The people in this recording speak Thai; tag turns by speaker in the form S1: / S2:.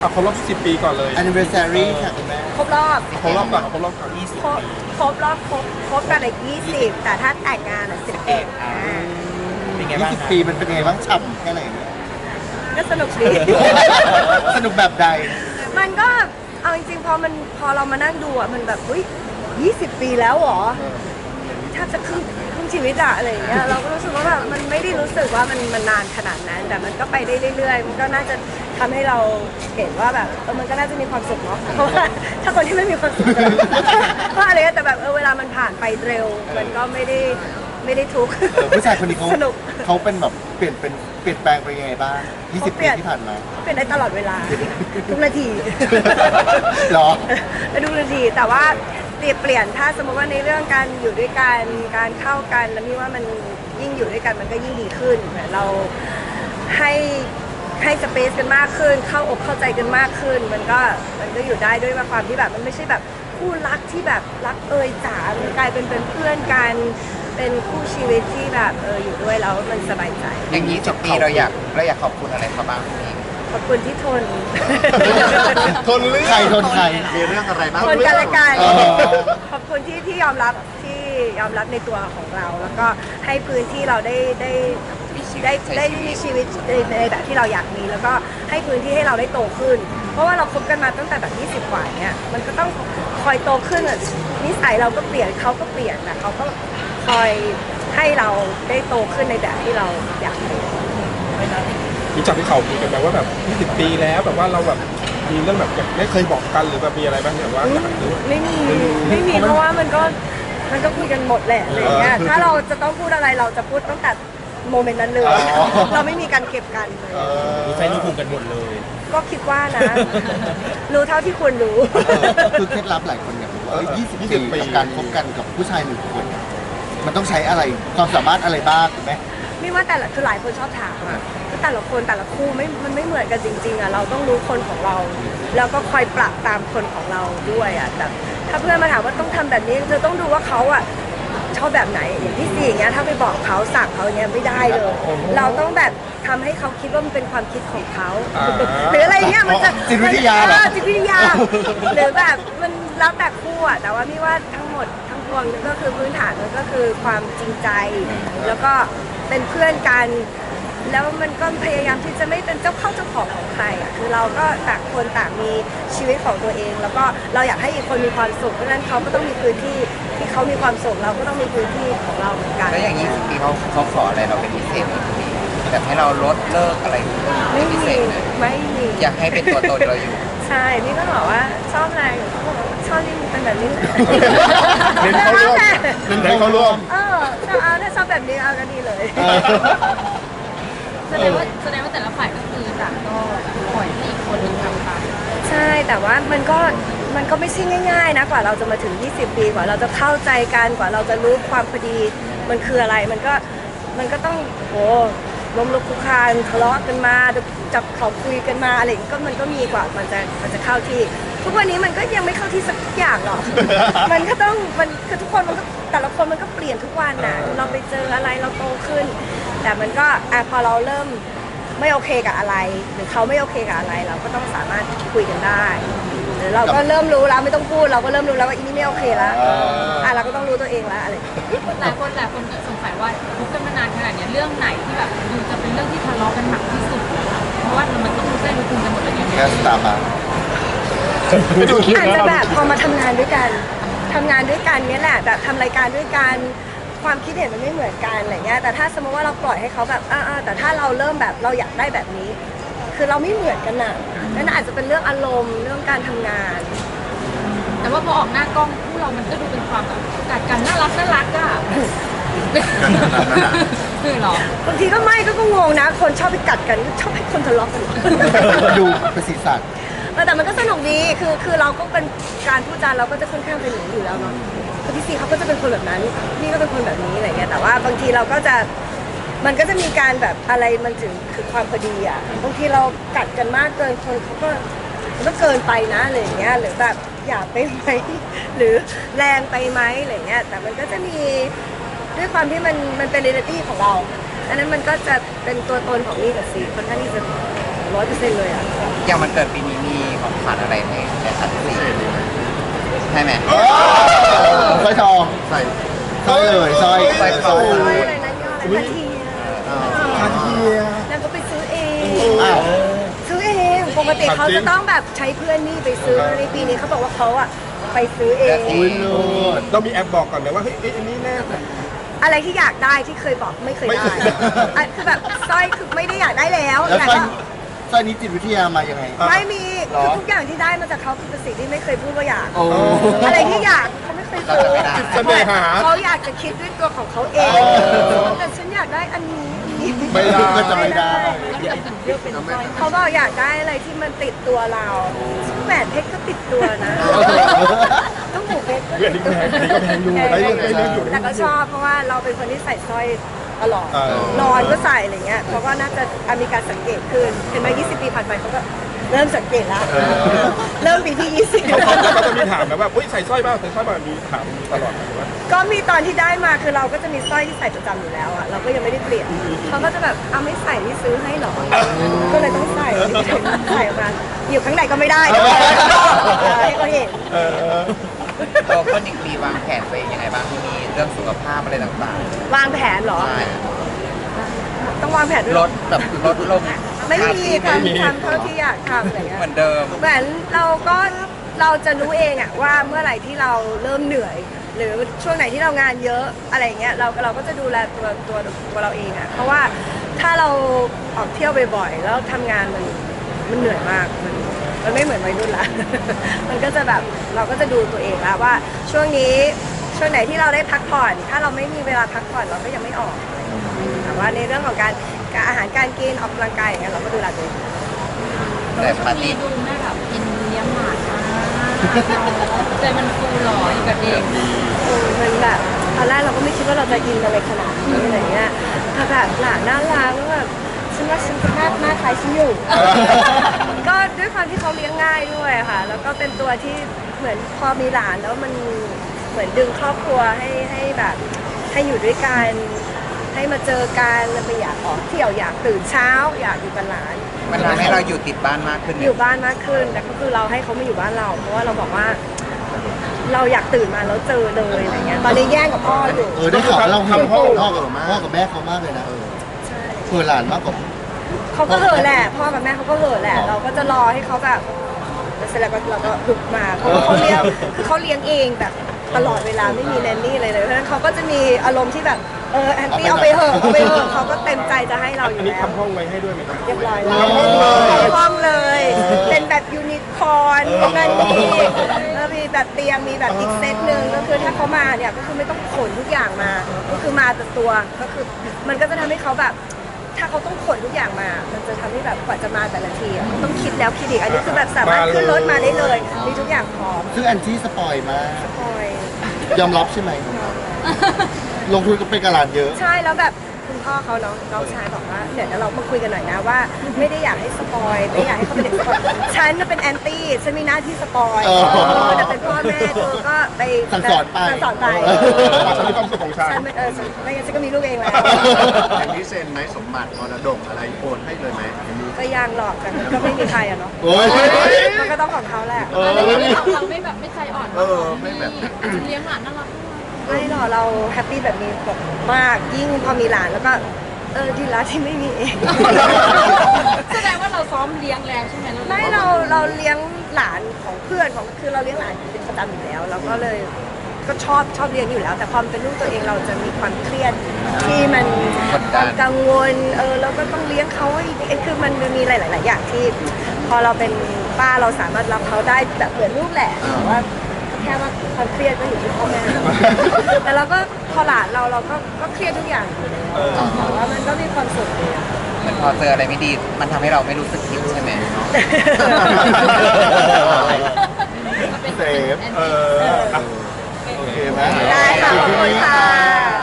S1: ครบรอบ10 ปีก่อนเลย
S2: anniversary ค่ะคุณแม่
S3: ครบรอบ
S1: ครบรอบก่อนครบรอบก่อน
S3: ครบรอบครบกันอีก20แต่ถ้าแต่งงาน11
S4: เป็นไงบ้าง
S2: 20 ปีมันเป็นไงบ้างฉ่ำแค่ไหนเนี่ย
S3: ก็สนุกดี
S2: สนุกแบบใด
S3: มันก็เอาจริงๆพอเรามานั่งดูอ่ะมันแบบอุ้ย20 ปีแล้วเหรอถ้าจะครึ่งชีวิตอะอะไรอย่างเงี้ยเราก็รู้สึกว่าแบบมันไม่ได้รู้สึกว่ามันนานขนาดนั้นแต่มันก็ไปได้เรื่อยๆมันก็น่าจะทำให้เราเห็นว่าแบบมันก็น่าจะมีความสุขเนาะเพราะว่าถ้าคนที่ไม่มีความสุขก็อะไรแต่แบบเวลามันผ่านไปเร็วมันก็ไม่ได้ทุกข์
S2: ผู้ชายคนนี้
S3: สนุก
S2: เขาเป็นแบบเปลี่ยนแปลงไปยังไงบ้าง20 ปีที่ผ่านมา
S3: เปลี่ยนได้ตลอดเวลาทุกนาที
S2: หรอ
S3: ทุกนาทีแต่ว่าเปลี่ยนถ้าสมมติว่าในเรื่องการอยู่ด้วยกันการเข้ากันแล้วนี่ว่ามันยิ่งอยู่ด้วยกันมันก็ยิ่งดีขึ้นเหมือนเราให้สเปซกันมากขึ้นเข้าอกเข้าใจกันมากขึ้นมันก็อยู่ได้ด้วยความที่แบบมันไม่ใช่แบบคู่รักที่แบบรักจ๋ามันกลายเป็นเพื่อนกันเป็นคู่ชีวิตที่แบบอยู่ด้วยแล้วมันสบายใจ
S4: อย่างนี้10 ปีเราอยากขอบคุณอะไรเขาบ้างพี่
S3: ขอบคุณที่ทน
S1: ทนเรื่อง
S2: ใครทนใคร
S4: มีเรื่องอะไรบ้าง
S3: ทนกันและกัน
S2: อ๋อ
S3: ขอบคุณที่ยอมรับในตัวของเรา แล้วก็ให้พื้นที่เราได้มีชีวิตในแบบที่เราอยากมีแล้วก็ให้พื้นที่ให้เราได้โตขึ้น เพราะว่าเราคบกันมาตั้งแต่แบบ20 กว่าเนี่ยมันก็ต้องคอยโตขึ้นนิสัยเราก็เปลี่ยนเขาก็เปลี่ยนแต่เขาก็คอยให้เราได้โตขึ้นในแบบที่เราอยากเป็น
S1: มีจากที่เขาคุยกันแบบว่าแบบ20 ปีแล้วแบบว่าเราแบบมีเรื่องแบบไม่เคยบอกกันหรือแบบมีอะไรบ้างแบบว่าอยากรู้
S3: ไม่มีเพราะว่ามันก็คุยกันหมดแหละอะไรเงี้ยถ้าเราจะต้องพูดอะไรเราจะพูดตั้งแต่โมเมนต์นั้นเลยเราไม่มีการเก็บกันเลย
S4: รู้ใจรู้ภูมิกันหมดเลย
S3: ก็คิดว่านะ รู้เท่าที่ควรรู้
S2: คือเคล็ดลับหลายคนอยากรู้ว่า20 ปีกับการคบกันกับผู้ชาย1 คนเนี่ยมันต้องใช้อะไรความสามารถอะไรบ้างถูกไหม
S3: ไม่ว่าคือหลายคนชอบถามอะแต่ละคนแต่ละคู่มันไม่เหมือนกันจริงๆอะเราต้องรู้คนของเรา แล้วก็คอยปรับตามคนของเราด้วยอะแต่ถ้าเพื่อนมาถามว่าต้องทำแบบนี้เธอต้องดูว่าเขาอะชอบแบบไหนอย่างที่4อย่างเงี้ยถ้าไปบอกเขาสั่งเขาอย่างเงี้ยไม่ได้เลย เราต้องแบบทำให้เขาคิดว่ามันเป็นความคิดของเขาหรืออะไรเงี้ยมันจะ
S2: จิตวิทยาเหรอ
S3: จิตวิทยาหรือแบบมันแล้วแต่คู่อะแต่ว่าพี่ว่าทั้งหมดทั้งปวงก็คือพื้นฐานมันก็คือความจริงใจ แล้วก็เป็นเพื่อนกัน แล้วมันก็พยายามที่จะไม่เป็นเจ้าเข้าเจ้าของของใครอ่ะคือเราก็ต่างคนต่างมีชีวิตของตัวเอง แล้วก็เราอยากให้อีกคนมีความสุขเพราะฉะนั้นเขาก็ต้องมีพื้นที่ที่เขามีความสุขเราก็ต้องมีพื้นที่ของเราเหมือนกัน
S4: แล้วอย่าง20 ปีเขาขออะไรเราเป็นพิเศษไหมพี่แบบให้เราลดเลิกอะไร
S3: ไม่
S4: พิ
S3: มี
S4: เศษเลย
S3: ไม่มี
S4: อยากให้เป็นตัวตนเราอยู่
S3: ใช่พี่ก็บอกว่าชอบอะไรเขาบอกว่าชอบที่เป็นแบบนี้แหละ
S1: เน้นเขาร่วมเน้นเขาร่วม
S3: ถ้าชอบแบบนี้เอาก็ดีเลย
S5: แสดงว่าแต่ละฝ่ายก็คือต่างก็ปล่อยให้อีกคนหนึ่งทำไป
S3: ใช่แต่ว่ามันก็ไม่ใช่ง่ายๆนะกว่าเราจะมาถึง20 ปีกว่าเราจะเข้าใจกันกว่าเราจะรู้ความพอดีมันคืออะไรมันก็ต้องโอ้ล้มลุกคลุกคลานทะเลาะกันมาจับเขาคุยกันมาอะไรอย่างงี้ก็มันก็มีกว่ามันจะเข้าที่ทุกวันนี้มันก็ยังไม่เข้าที่สักอย่างหรอก มันก็ต้องมันคือทุกคนมันก็แต่ละคนมันก็เปลี่ยนทุกวันน่ะเราไปเจออะไรเราโตขึ้น แต่มันก็พอเราเริ่มไม่โอเคกับอะไร หรือเขาไม่โอเคกับอะไรเราก็ต้องสามารถคุยกันได้หรือเราก็เริ่มรู้แล้วไม่ต้องพูดเราก็เริ่มรู้แล้วว่าอีนี่ไม่โอเคแล้วเราก็ต้องรู้ตัวเองแล้วอะไร
S5: หลายคนสงสัยว่าคบกันมานานขนาดนี้เรื่องไหนที่แบบดูจะเป็นเรื่องที่ทะเลาะกันหนักที่สุดเพราะว่ามันต้องรู้ใจรู้ภูมิกันหมดเลยเนี่ย
S2: แค่สตาร์บัค
S3: อาจจะแบบพอมาทำงานด้วยกันเนี่ยแหละแบบทำรายการด้วยกันความคิดเห็นมันไม่เหมือนกันอะไรเงี้ยแต่ถ้าสมมติว่าเราปล่อยให้เขาแบบแต่ถ้าเราเริ่มแบบเราอยากได้แบบนี้ คือเราไม่เหมือนกันน่ะนั่นอาจจะเป็นเรื่องอารมณ์เรื่องการทำงาน
S5: แต่ว่าพอออกหน้ากล้องคู่เรามันก็ดูเป็นความแบบกัดกันน่ารักอ่ะคือหรอบ
S3: างทีก็ไม่ก็งงนะคนชอบไปกัดกันชอบให้คนทะเลาะกัน
S2: ดูเป็นสีสัน
S3: แต่มันก็สนุกดีคือเราก็เป็นการพูดจาเราก็จะค่อนข้างเป็นอย่างนี้อยู่แล้วเนาะคือพี่ซีเขาก็จะเป็นคนแบบนั้นพี่ก็เป็นคนแบบนี้อะไรเงี้ยแต่ว่าบางทีเราก็จะมันก็จะมีการแบบอะไรมันถึงคือความพอดีอ่ะบางทีเรากัดกันมากเกินคนเขาก็มันก็เกินไปนะอะไรอย่างเงี้ยหรือแบบหยาบไปไหมหรือแรงไปไหมอะไรเงี้ยแต่มันก็จะมีด้วยความที่มันเป็นเรียลิตี้ของเราอันนั้นมันก็จะเป็นตัวตนของนี่กับซีค่อนข้างที่จะ 100%เลยอ่ะ
S4: อย่างมันเกิดปีนี้มีของขวัญอะไรให้ได้สักสี่ใช่ไหม
S2: สร้อยทองใส่สร้อยเลยสร้อย
S4: สร้อยทอง
S3: อะไรนะย่ออะไรนาที
S1: คาเทีย
S3: แล้วก็ไปซื้อเอง
S2: อ้าว
S3: ซื้อเองปกติเขาจะต้องแบบใช้เพื่อนนี่ไปซื้อในปีนี้เขาบอกว่าเขาอ่ะไปซื้อเอง
S2: อุ้ยเลิศ
S1: เรามีแอปบอกก่อนไหมว่าเฮ้ยอันนี้แน่
S3: อะไรที่อยากได้ที่เคยบอกไม่เคย
S1: ไม่
S3: ได้
S1: เคย
S3: อ่ะคือแบบสร้อยคือไม่ได้อยากได้แล้ว
S2: แล้ว
S3: แต่
S2: สร้อย
S3: ก็
S2: สร้อยนี้จิตวิทยามายังไง
S3: ไม่มี
S2: หรอ
S3: คือทุกอย่างที่ได้มาจากเขาคือเป็นสิ่งที่ไม่เคยพูดว่าอยาก
S2: โอ้
S3: อะไรที่อยากเขาไม่เคยซื้อ
S1: จิตเสน่หา
S3: เขาอยากจะคิดด้วยตัวของเขาเอง
S2: เออ
S3: แต่ฉันอยากได้อันนี้
S1: ไม่ได้
S2: ก็จะไม่ได้
S3: เขาบอกอยากได้อะไรที่มันติดตัวเราแหวนเพชรก็ติดตัวนะต้องหูเพชรก็
S1: เรื่องนี้แพงอันนี้ก็แพงอยู่ได้เรื่องได้เรื่องอยู่
S3: แต่ก็ชอบเพราะว่าเราเป็นคนที่ใส่สร้อยตลอด
S1: เออ
S3: นอนก็ใส่อะไรเงี้ยเขาก็น่าจะมีการสังเกตขึ้นเห็นไหม20 ปีผ่านไปเขาก็เริ่มสังเกตแล้วเริ่มปีที่
S1: เขา
S3: 20
S1: ก็จะมีถามนะว่าใส่สร้อยบ้างใส่สร้อยบ้างมีถามตลอดว่า
S3: ก็มีตอนที่ได้มาคือเราก็จะมีสร้อยที่ใส่ประจำอยู่แล้วอ่ะเราก็ยังไม่ได้เปลี่ยนเขาก็จะแบบเอาไม่ใส่ที่ซื้อให้หรอก็เลยต้องใส่ใส่ออกมาอยู่ข้างในก็ไม่ได้ให้เขาเห็น
S1: เออ
S4: ตัวคนอีกปีวางแผนตัวเองยังไงบ้างที่มีเรื่องสุขภาพอะไรต่าง
S3: วางแผนเหรอ
S4: ๆใช่
S3: ต้องวางแผนด้วย
S4: ล
S3: เหรอ
S4: ดแบบลดลง
S3: ไม่มีทำเท่าที่อยากทำอะไรเงี้ย
S4: เหมือนเดิม
S3: เหมือนเราจะรู้เองอะว่าเมื่อไหร่ที่เราเริ่มเหนื่อย หรือช่วงไหนที่เรางานเยอะอะไรเงี้ยเราก็จะดูแลตัวเราเองอะเพราะว่าถ้าเราออกเที่ยวบ่อยๆแล้วทำงานมันเหนื่อยมากมันไม่เหมือนวัยรุ่นละ มันก็จะแบบเราก็จะดูตัวเองแล้วว่าช่วงไหนที่เราได้พักผ่อน ถ้าเราไม่มีเวลาพักผ่อนเราก็ยังไม่ออกแต่ว่าในเรื่องของการอาหารการกินออกกำลังกายอย่างเงี้ยเราก็ดูแลตัวเอง
S4: แต่ปาร์ตี้
S5: ดูแม่แบบกินเลี้ยงหมาจ้าใจมันฟูหล่ออยู่กับเด็ก
S3: มันแบบตอนแรกเราก็ไม่คิดว่าเราจะอินอะไรขนาดนี้อะไรเงี้ยแต่แบบหลานน่ารักแล้วแบบฉันว่าฉันหน้าคล้ายฉันอยู่ ก็ด้วยความที่เขาเลี้ยงง่ายด้วยค่ะ แล้วก็เป็นตัวที่เหมือนพอมีหลานแล้วมันเหมือนดึงครอบครัวให้แบบให้อยู่ด้วยกันให้มาเจอกันแล้วไปอยากออกเที่ยวอยากตื่นเช้า อยากอยู่กับหลาน
S4: มันทำให้เราอยู่ติดบ้านมากขึ้นไหม
S3: อยู่บ้านมากขึ้นแต่ก็คือเราให้เขามาอยู่บ้านเรา เพราะว่าเราบอกว่า เราอยากตื่นมาแล้วเจอเลยอะไรเงี้ยตอนนี้แย่งกับพ่ออยู่
S2: ได้ข่าวว่าเราห่วง
S1: พ่อ
S2: พ่อกับแม่เขามากเลยนะเผื่อหลานมากกว่า
S3: เขาก็เหอะแหละพ่อกับแม่เขาก็เหอะแหละ เราก็จะรอให้เขาแบบเสร็จแล้วเราก็ลุกมาเพราะว่าเขาเลี้ยงคือเขาเลี้ยงเองแบบตลอดเวลาไม่มีแนนนี่เลยเพราะฉะนั้นเขาก็จะมีอารมณ์ที่แบบแอนตี้เอาไปเหอะเขาก็เต็มใจจะให้เราอ
S1: อัน
S3: ยู่
S1: นี้
S3: แล้ว
S1: ทำห้องไว้ให้ด้วยไหมครับ
S3: เรียบร้อยแล้วห้องเลย เป็นแบบยูนิคอร์นนั่นนี่แล้วมีแบบเตียงมีแบบอีกเซตหนึ่งก็คือถ้าเขามาเนี่ยก็คือไม่ต้องขนทุกอย่างมา ก็คือมาแต่ตัวก็คือมันก็จะทำให้เขาแบบ ถ้าเขาต้องขนทุกอย่างมา มันจะทำให้แบบกว่าจะมาแต่ละทีอะต้องคิดแล้วคิดอีกอันนี้คือแบบสามารถขึ้นรถมาได้เลยมีทุกอย่างพร้อม
S2: ซึ่งแอนที่สปอยมาก
S3: คอย
S2: ยอมรับใช่ไหมลงทุนก็เป็นกระหลานเยอะ
S3: ใช่แล้วแบบคุณพ่อเขาน้องชายบอกว่าเดี๋ยวเรามาคุยกันหน่อยนะว่า ไม่ได้อยากให้สปอยไม่อยากให้เขาเป็นเด็กสปอยฉันน่ะเป็นแอนตี้ฉันมีหน้าที่สปอย
S2: เออ
S3: แต่เป็นพ่อแม่เธอก็ไป
S2: สั่งสอนไป
S3: สั่งสอนไป
S1: ฉันมีความสุขของฉัน
S3: ฉันไม่ไม่งั้นฉันก็มีลูกเองแล้ว
S6: อย่างนี้เซ็นไหมสมบัติมรดกอะไรโอนให้เลยไหม
S3: ก็ยังหรอกแต่ก็ไม่มีใครอะเนาะ
S2: โอ้ย
S3: มันก็ต้องของเขาแหละ
S5: แล้วเราไม่แบบไม่ใจอ่อน
S6: ไม่แบบ
S5: เลี้ยงหลานน่ารัก
S3: ไม่หรอกเราแฮปปี้แบบนี้แบบมากยิ่งพอมีหลานแล้วก็ดีละที่ไม่มีเอง
S5: แสดงว่าเราซ้อมเลี้ยงแล้วใช่ไหม
S3: ไม่เราเลี้ยงหลานของเพื่อนของคือเราเลี้ยงหลานเป็นประจำอยู่แล้วเราก็เลยก็ชอบเลี้ยงอยู่แล้ว แต่พอมันเป็นลูกตัวเองเราจะมีความเครียดที่มันความกังวลเราก็ต้องเลี้ยงเขาให้คือมันมีหลายๆอย่างที่ พอเราเป็นป้าเราสามารถรับเขาได้แบบเหมือนลูกแหละแต่ว่าแค่ว่าความเครียดก็อยู่ที่พ่อแม่ แต่เราก็พอหลานเราก็เครียดทุกอย่างอยู่เลยแต่ว่ามันก็มีความสุขดีอะ
S4: เหมือนพอเจออะไรไม่ดี มันทำให้เราไม่รู้สึกผิดใช่ไหม
S6: เซฟ
S1: อ่ะ
S6: โอเคไหม
S3: ได้ค่ะขอบคุณค่ะ